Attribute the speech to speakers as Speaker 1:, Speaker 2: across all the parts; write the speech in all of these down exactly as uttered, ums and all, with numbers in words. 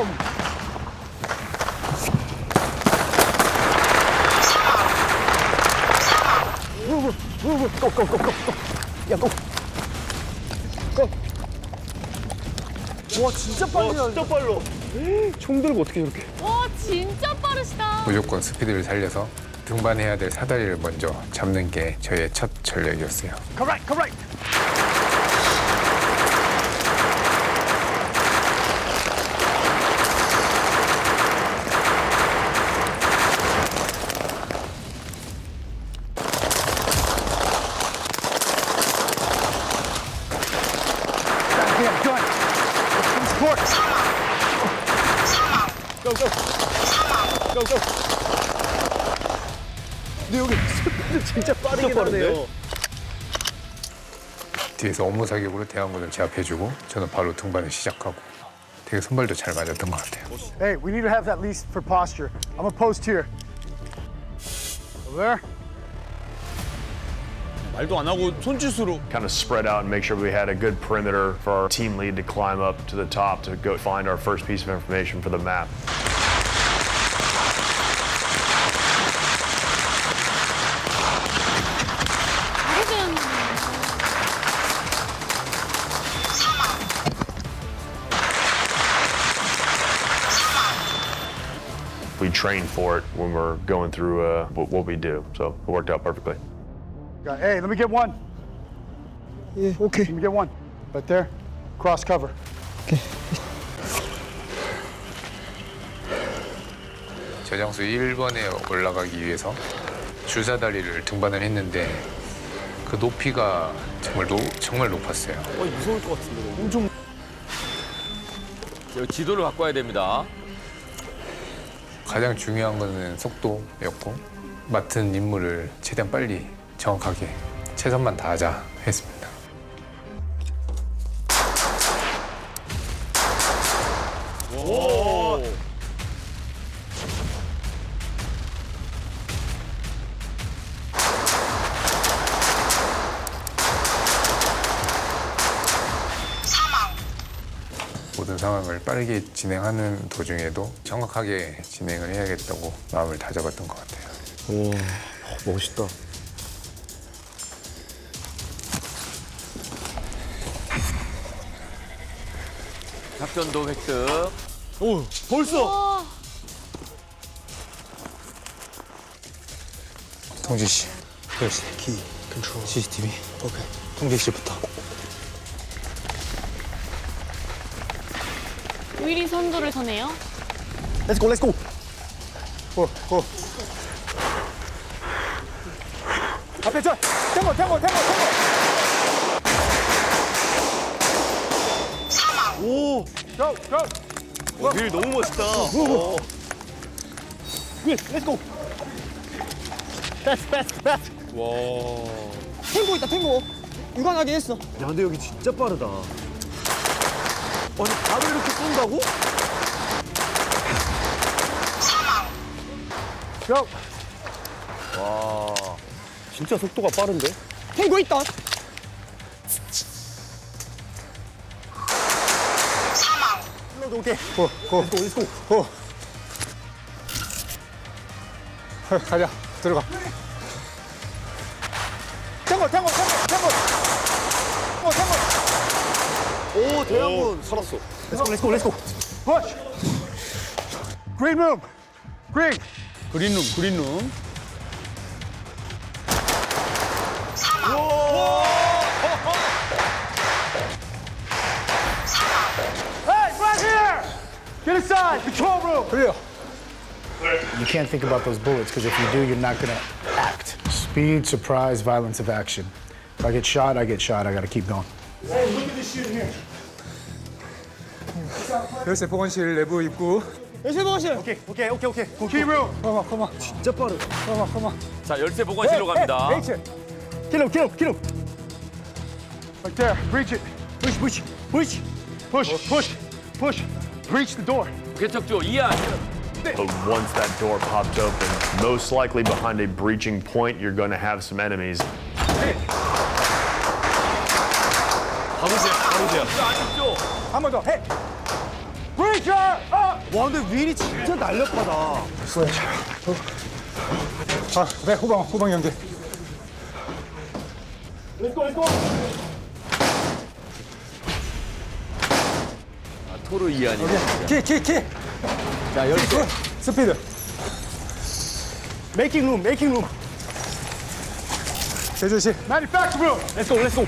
Speaker 1: 고고고고 야 고. 고. 와 진짜 빨리 나. 진짜 빨라. 총 들고 어떻게 저렇게?
Speaker 2: 와 진짜 빠르시다.
Speaker 3: 무조건 스피드를 살려서 등반해야 될 사다리를 먼저 잡는 게 저의 첫 전략이었어요.
Speaker 1: Correct, correct. Yeah, go ahead. Support. Go, go. Go, go. 근데 여기 스피드 진짜 빠르게 나네요.
Speaker 3: 뒤에서 업무 사격으로 대항군을 제압해주고 저는 바로 등반을 시작하고 되게 선발도 잘 맞았던 것 같아요.
Speaker 1: Hey, we need to have that least for posture. I'm gonna post here. Over there.
Speaker 4: 말도 안 하고 손짓으로.
Speaker 5: Kind of spread out and make sure we had a good perimeter for our team lead to climb up to the top to go find our first piece of information for the map.
Speaker 2: 잘해줘야
Speaker 5: We trained for it when we're going through uh, what, what we do, so it worked out perfectly.
Speaker 1: Got- Hey, let me get one.
Speaker 6: 예, 오케이.
Speaker 1: Let me get one. Right there. Cross cover.
Speaker 3: 저장소 일 번에 올라가기 위해서 줄사다리를 등반을 했는데 그 높이가 정말 노, 정말 높았어요.
Speaker 4: 어, 무서울 것 같은데. 엄청. 여기 지도를 갖고 와야 됩니다.
Speaker 3: 가장 중요한 거는 속도였고 맡은 임무를 최대한 빨리 정확하게 최선만 다하자 했습니다.
Speaker 4: 오.
Speaker 3: 모든 상황을 빠르게 진행하는 도중에도 정확하게 진행을 해야겠다고 마음을 다잡았던 것 같아요.
Speaker 4: 오, 멋있다. 작전도 획득. 오, 벌써.
Speaker 2: 와.
Speaker 6: 동진 씨. Here's the key. Control. 씨씨티비. 오케이. 동진 씨부터.
Speaker 2: 윌이 선두를 서네요.
Speaker 1: Let's go, let's go. 고, 고. 앞에 저. 탱고, 탱고, 탱고, 탱고.
Speaker 4: 오,
Speaker 1: Go, go.
Speaker 4: 어, 윌 너무 멋있다.
Speaker 1: 오. Will, let's go. Fast, fast, fast.
Speaker 4: 와.
Speaker 6: 탱고 있다, 탱고. 육안하긴 했어.
Speaker 4: 야, 근데 여기 진짜 빠르다. 아니, 바로 이렇게 쏜다고?
Speaker 1: Go.
Speaker 4: 와, 진짜 속도가 빠른데?
Speaker 6: 탱고 있다.
Speaker 1: 오케이. 고, 고, 고, let's go. 고. 헐, 가자. 들어가. 탱고, 탱고, 탱고, 탱고. 탱고, 탱고.
Speaker 4: 오, 대한군 살았어.
Speaker 1: Let's go, let's go, let's go. Push. Green room. Green.
Speaker 4: 그린룸, 그린룸.
Speaker 1: Hey, right here. Get inside. Control room. Real. You can't think about those bullets because if you do, you're not gonna act. Speed, surprise, violence of action. If I get shot, I get shot. I gotta keep going. Hey, look at this shit here.
Speaker 3: 열쇠 보건실 내부 입구.
Speaker 6: 열쇠 보실.
Speaker 1: Okay, okay, okay, okay. Key room. Come on, come on.
Speaker 4: 진짜 빠르다.
Speaker 1: Come on, come on.
Speaker 4: 자, 열쇠 보관실로 갑니다.
Speaker 1: Hey, hey, kill him, kill him, kill him. Right there. Breach it. Push, push, push, push, push, push. Breach the door.
Speaker 4: 개척조 이안.
Speaker 5: But once that door popped open, most likely behind a breaching point, you're going to have some enemies.
Speaker 4: 가보세요, 가보세요. 안쪽조.
Speaker 1: 한 번 더. Hey. Breach. Signature! Up!
Speaker 4: 와, 근데 윌이 진짜 날렵하다.
Speaker 1: Switch. 아, 네, 후방, 후방 연계. Let's go, let's go.
Speaker 4: 토르 이안이.
Speaker 1: 키, 키, 키.
Speaker 4: 자, 열쇠.
Speaker 1: 스피드. Making room, making room. 제주씨. Manufacture room.
Speaker 4: Let's go, let's go.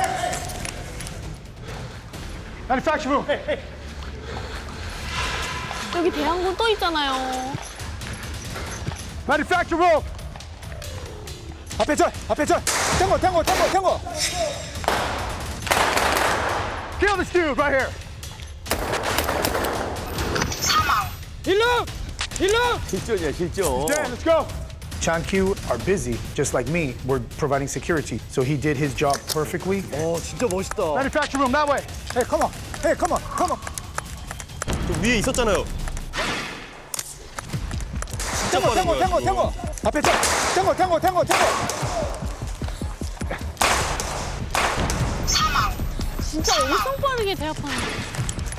Speaker 1: Manufacture room. Hey, hey.
Speaker 2: 여기 대항군 또 있잖아요.
Speaker 1: Manufacture room. 앞에 절, 앞에 절. 탱고, 탱고, 탱고, 탱고. Kill this dude right here.
Speaker 4: 일루! 일루! 실전이야, 실전.
Speaker 1: Dan, let's go. Chan Q are busy, just like me. We're providing security, so he did his job perfectly.
Speaker 4: 어, 진짜 멋있다.
Speaker 1: Manufacture room that way. Hey, come on. Hey, come on, come on.
Speaker 4: 저 위에 있었잖아요. 진짜
Speaker 1: 탱고,
Speaker 4: 빠른
Speaker 1: 탱고,
Speaker 4: 거야.
Speaker 1: 탱고,
Speaker 4: 지금.
Speaker 1: 탱고. 앞에 절. 탱고, 탱고, 탱고, 탱고.
Speaker 2: 진짜 엄청 빠르게 제압하는데.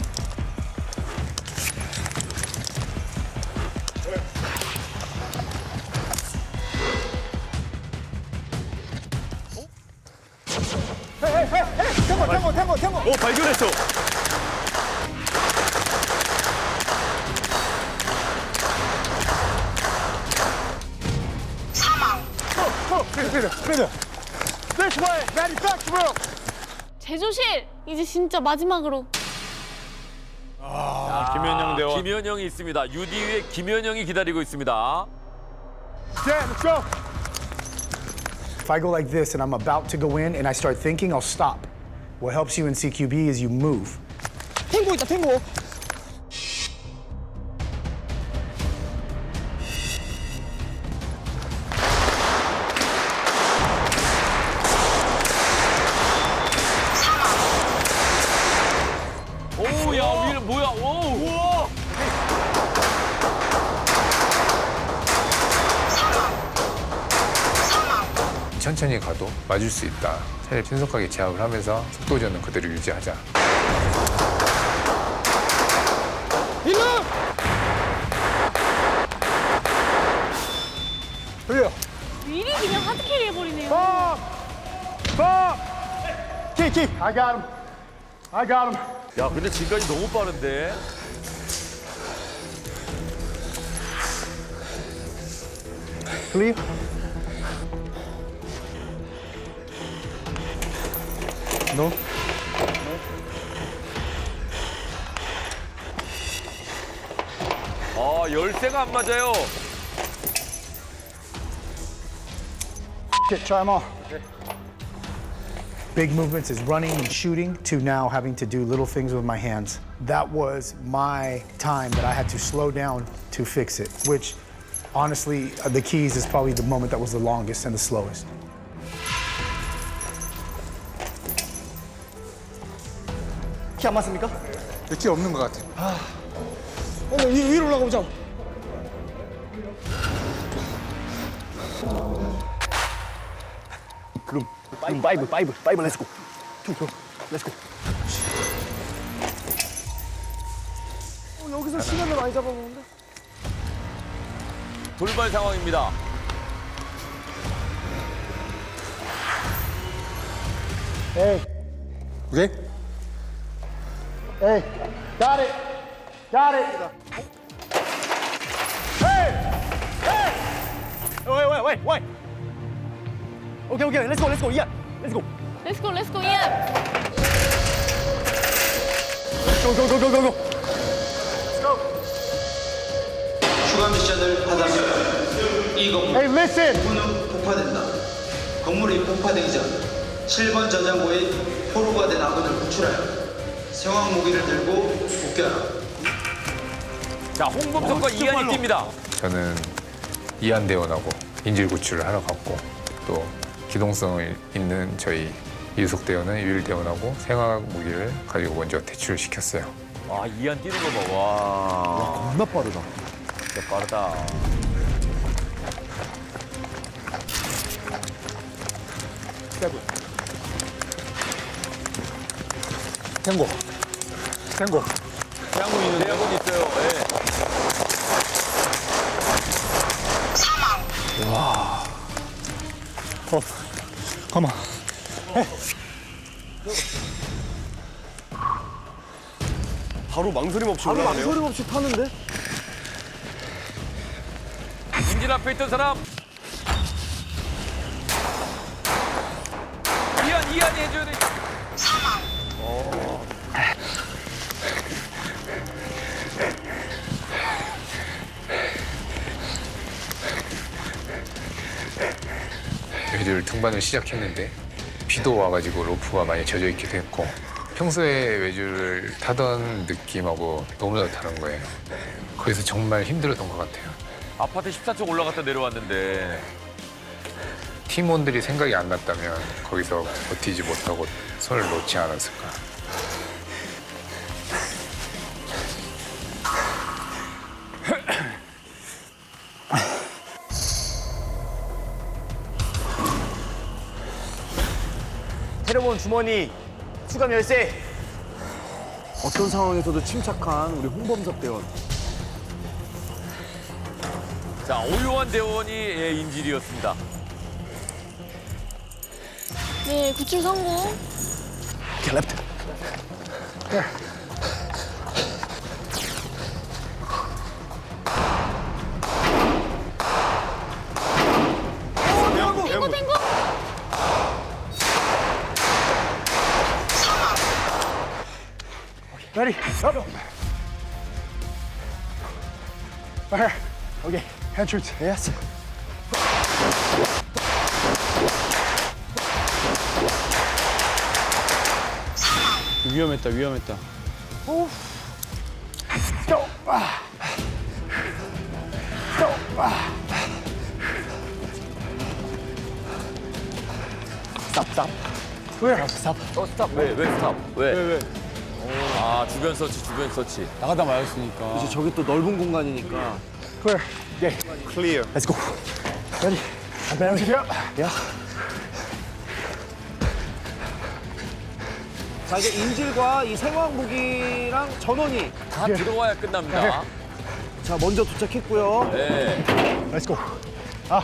Speaker 1: Hey, hey, hey, hey. 탱고, 탱고, 탱고, 탱고.
Speaker 4: 어, 발견했어.
Speaker 1: Go, speed, speed, speed. This way, manufacture room.
Speaker 2: 제조실 이제 진짜 마지막으로.
Speaker 4: 김현영 대원. 김현영이 있습니다. 유디 위에 김현영이 기다리고 있습니다.
Speaker 1: Dan, let's go. If I go like this and I'm about to go in and I start thinking, I'll stop. What helps you in C Q B is you move.
Speaker 4: 탱고 있다, 탱고. 오, 야, 위를 뭐야? 오. 우와.
Speaker 3: 천천히 가도 맞을 수 있다. 차라리 신속하게 제압을 하면서 속도 전은 그대로 유지하자.
Speaker 1: Here.
Speaker 2: 미리 그냥 하드캐리 해버리네요.
Speaker 1: Bob! Bob! Key, key. I got him. I got him.
Speaker 4: 야, 근데 지금까지 너무 빠른데.
Speaker 1: Clear. No.
Speaker 4: 아, 열쇠가 안 맞아요.
Speaker 1: Okay, try them all. Big movements is running and shooting to now having to do little things with my hands. That was my time that I had to slow down to fix it, which honestly, uh, the keys is probably the moment that was the longest and the slowest.
Speaker 6: 키 안 맞습니까?
Speaker 1: 키 없는 것 같아.
Speaker 6: 어, 위, 위로 올라가보자.
Speaker 4: 그럼 파이브, 파이브, 파이브, 파이브, 렛츠고. 투, 투, 렛츠고.
Speaker 6: 어, 여기서 시간을 많이 잡아먹는데?
Speaker 4: 돌발 상황입니다.
Speaker 1: Hey. Okay. Hey. Got it. Got it. Hey. Hey.
Speaker 4: 왜, 왜, 왜, 왜? 오케이, 오케이, 렛츠고, 렛츠고, 이안, 렛츠고.
Speaker 2: 렛츠고 렛츠고 이안.
Speaker 4: 고고고고고고.
Speaker 7: 추가 미션을 하다면 이 건물
Speaker 1: Hey, listen.
Speaker 7: 후는 폭파된다. 건물이 폭파되기 전 칠 번 저장고에 포로가 된 아군을 구출하여 생화학 무기를 들고 복귀하라.
Speaker 4: 자, 홍범석과 이안이 뜁니다.
Speaker 3: 저는 이한 대원하고 인질 구출을 하러 갔고 또 기동성 있는 저희 이유석 대원은 유일 대원하고 생화학 무기를 가지고 먼저 퇴출시켰어요.
Speaker 4: 아, 이안 뛰는 거 봐. 와.
Speaker 6: 겁나 빠르다.
Speaker 4: 진짜 빠르다.
Speaker 1: 탱고. 탱고.
Speaker 4: 태양고 내야분 있는데. 내야분 있어요. 예.
Speaker 1: Come on.
Speaker 4: 바로 망설임 없이 바로 올라가네요. 망설임 없이 타는데?
Speaker 8: 인질 앞에 있던 사람. 이한, 이한이 해줘야 돼.
Speaker 3: 외줄 등반을 시작했는데 비도 와가지고 로프가 많이 젖어 있기도 했고 평소에 외줄을 타던 느낌하고 너무 다른 거예요. 거기서 정말 힘들었던 것 같아요.
Speaker 8: 아파트 십사 층 올라갔다 내려왔는데.
Speaker 3: 팀원들이 생각이 안 났다면 거기서 버티지 못하고 손을 놓지 않았을까.
Speaker 4: 테레본 주머니, 수감 열쇠. 어떤 상황에서도 침착한 우리 홍범석 대원.
Speaker 8: 자, 오요한 대원이 예, 인질이었습니다.
Speaker 2: 네, 구출 성공.
Speaker 1: Okay, left. There.
Speaker 2: 탱고, 탱고.
Speaker 1: Ready? Up. Right here. Okay. Hand shoots. Yes.
Speaker 6: 위험했다, 위험했다.
Speaker 1: Go. Ah. Go. Ah. Stop, stop. Where? Stop.
Speaker 8: 어, 스탑. 왜, 왜 스탑? 왜?
Speaker 6: 왜, 왜?
Speaker 8: 아, 주변 서치, 주변 서치.
Speaker 6: 나가다 말았으니까.
Speaker 4: 이제 저기 또 넓은 공간이니까.
Speaker 1: Clear. Okay.
Speaker 4: 클리어.
Speaker 1: Let's go. Ready? I'm ready. Yeah. Yeah.
Speaker 4: 자, 이제 인질과 이 생화학 무기랑 전원이
Speaker 8: 다 들어와야 끝납니다.
Speaker 4: 자, 먼저 도착했고요.
Speaker 8: 네.
Speaker 1: Let's go. Ah.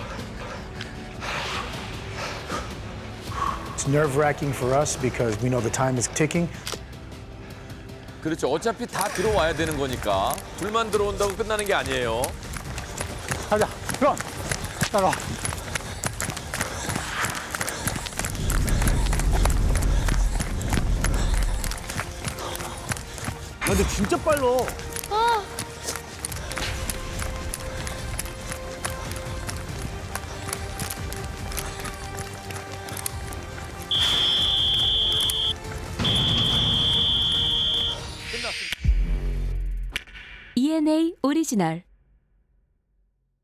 Speaker 1: It's nerve-wracking for us because we know the time is ticking.
Speaker 8: 그렇죠. 어차피 다 들어와야 되는 거니까. 둘만 들어온다고 끝나는 게 아니에요.
Speaker 1: 가자. Run. 따라와.
Speaker 4: 야, 근데 진짜 빨라.
Speaker 2: 아,
Speaker 9: 이엔에이 오리지널